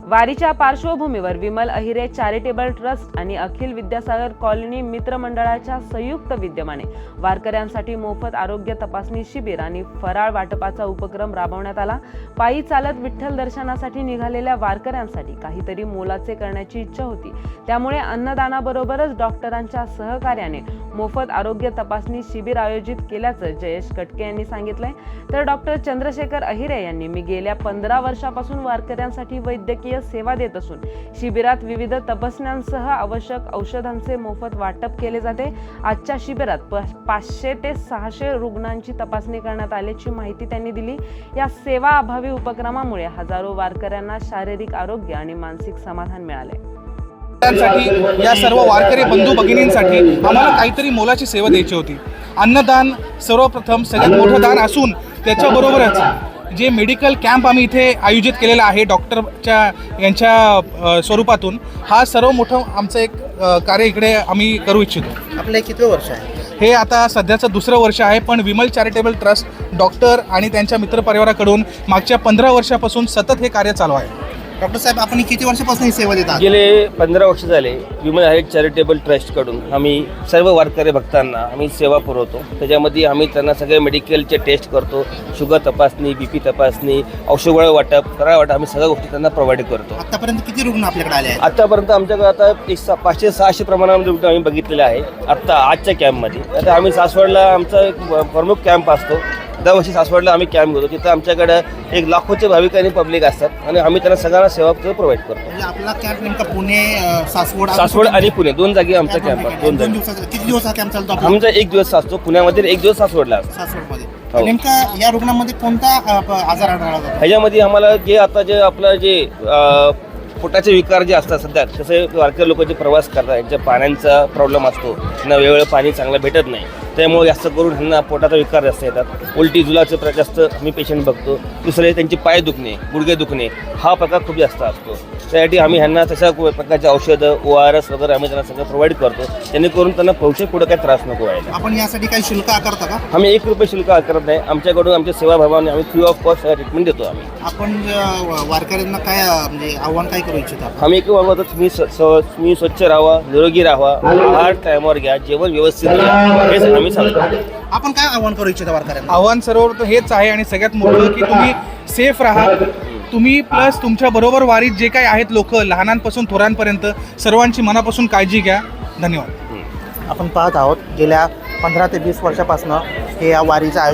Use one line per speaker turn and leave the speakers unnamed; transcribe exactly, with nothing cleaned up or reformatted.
वारीच्या पार्श्वभूमीवर Vimal Ahire charitable trust आणि अखिल विद्यासागर कॉलनी मित्र मंडळाच्या संयुक्त विद्यमाने वारकऱ्यांसाठी मोफत आरोग्य तपासणी शिबिर आणि फराळ वाटपाचा उपक्रम राबवण्यात आला। पायी चालत विठ्ठल दर्शनासाठी निघालेल्या वारकऱ्यांसाठी काहीतरी मोलाचे करण्याची इच्छा होती, त्यामुळे अन्नदानाबरोबरच डॉक्टरांच्या सहकार्याने मोफत आरोग्य तपासणी शिबिर आयोजित केल्याचं जयेश कटके यांनी सांगितलंय। तर डॉक्टर चंद्रशेखर अहिरे यांनी मी गेल्या पंधरा वर्षापासून वारकऱ्यांसाठी वैद्यकीय सेवा देत असून शिबिरात विविध तपासण्यांसह आवश्यक औषधांचे मोफत वाटप केले जाते। आजच्या शिबिरात पाचशे ते सहाशे रुग्णांची तपासणी करण्यात आल्याची माहिती त्यांनी दिली। या सेवा अभावी उपक्रमामुळे हजारो वारकऱ्यांना शारीरिक आरोग्य आणि मानसिक समाधान मिळाले।
या सर्व वारकरी बंधू भगिनींसाठी आम्हाला काहीतरी मोलाची सेवा द्यायची होती। अन्नदान सर्वप्रथम सगळ्यात मोठं दान असून त्याच्याबरोबरच जे मेडिकल कॅम्प आम्ही इथे आयोजित केलेला आहे डॉक्टरच्या यांच्या स्वरूपातून, हा सर्व मोठं आमचं एक कार्य इकडे आम्ही करू इच्छितो।
आपलं किती वर्ष आहे
हे? आता सध्याचं दुसरं वर्ष आहे, पण विमल चॅरिटेबल ट्रस्ट डॉक्टर आणि त्यांच्या मित्रपरिवाराकडून मागच्या पंधरा वर्षापासून सतत हे कार्य चालू आहे।
डॉक्टर साहेब, आपण किती वर्षापासून ही सेवा देतात?
गेले पंधरा वर्ष झाले विमल अहिरे चॅरिटेबल ट्रस्टकडून आम्ही सर्व वारकरी भक्तांना आम्ही सेवा पुरवतो। त्याच्यामध्ये आम्ही त्यांना सगळे मेडिकलचे टेस्ट करतो, शुगर तपासणी, बी पी तपासणी, औषध वाटप, फराळ वाटप, आम्ही सगळ्या गोष्टी त्यांना प्रोव्हाइड करतो।
आतापर्यंत किती रुग्ण आपल्याकडे आले आहेत?
आतापर्यंत आमच्याकडे आता एक सा पाचशे सहाशे प्रमाणामध्ये रुग्ण आम्ही बघितलेले आहे आत्ता आजच्या कॅम्पमध्ये। आता आम्ही सासवडला आमचा एक प्रमुख कॅम्प असतो, दरवर्षी सासवडला आम्ही कॅम्प घेतो, तिथं आमच्याकडे एक लाखोचे भाविक आणि पब्लिक असतात आणि आम्ही त्यांना सगळ्यांना सेवा प्रोव्हाइड करतो।
म्हणजे आपला कॅम्प नेमका पुणे, सासवड
सासवड आणि पुणे दोन जागी आमचा कॅम्प आहे। दोन
दोन दिवसाचा किती दिवसाचा कॅम्प चालतो आपला?
आमचा एक दिवस असतो पुण्यामध्ये, एक दिवस सासवडला असतो।
सासवडमध्ये नेमका या रुग्णांमध्ये कोणता आजार आढळला जातो?
ह्याच्यामध्ये आम्हाला जे आता जे आपलं जे पोटाचे विकार जे असतात सध्या, जसे वारकरी लोक जे प्रवास करतात यांच्या पाण्याचा प्रॉब्लेम असतो, त्यांना वेळोवेळी पाणी चांगलं भेटत नाही, त्यामुळे जास्त करून ह्यांना पोटाचा विकार जास्त येतात। उलटी जुलाचे प्र जास्त आम्ही पेशंट बघतो। दुसरे त्यांचे पाय दुखणे, गुडघे दुखणे हा प्रकार खूप जास्त असतो। त्यासाठी आम्ही ह्यांना तशा प्रकारचे औषधं, ओ आर एस वगैरे आम्ही त्यांना सगळं प्रोव्हाइड करतो, जेणेकरून त्यांना भविष्यात पुढे काही त्रास नको व्हायला।
आपण यासाठी काही शुल्क आकारता का?
आम्ही एक रुपये शुल्क आकारत नाही, आमच्याकडून आमच्या सेवाभावाने आम्ही फ्री ऑफ कॉस्ट ट्रीटमेंट देतो। आम्ही
आपण वारकऱ्यांना काय म्हणजे आव्हान काय करू इच्छिता?
आम्ही एक वागवतो, तुम्ही तुम्ही स्वच्छ राहा, निरोगी राहा, आहार टायमावर घ्या, जेवण व्यवस्थित घ्या, हेच आम्ही सांगतो।
आपण काय आव्हान करू इच्छिता वारकऱ्यांना?
आव्हान सर्व हेच आहे आणि सगळ्यात मोठं की तुम्ही सेफ राहा, तुम्ही प्लस तुमच्या बरोबर वारीत जे काही आहेत लोक लहानांपासून थोरांपर्यंत सर्वांची मनापासून काळजी घ्या। धन्यवाद।
आपण पाहत आहोत गेल्या पंधरा ते वीस वर्षापासून हे या वारीचं आयोजन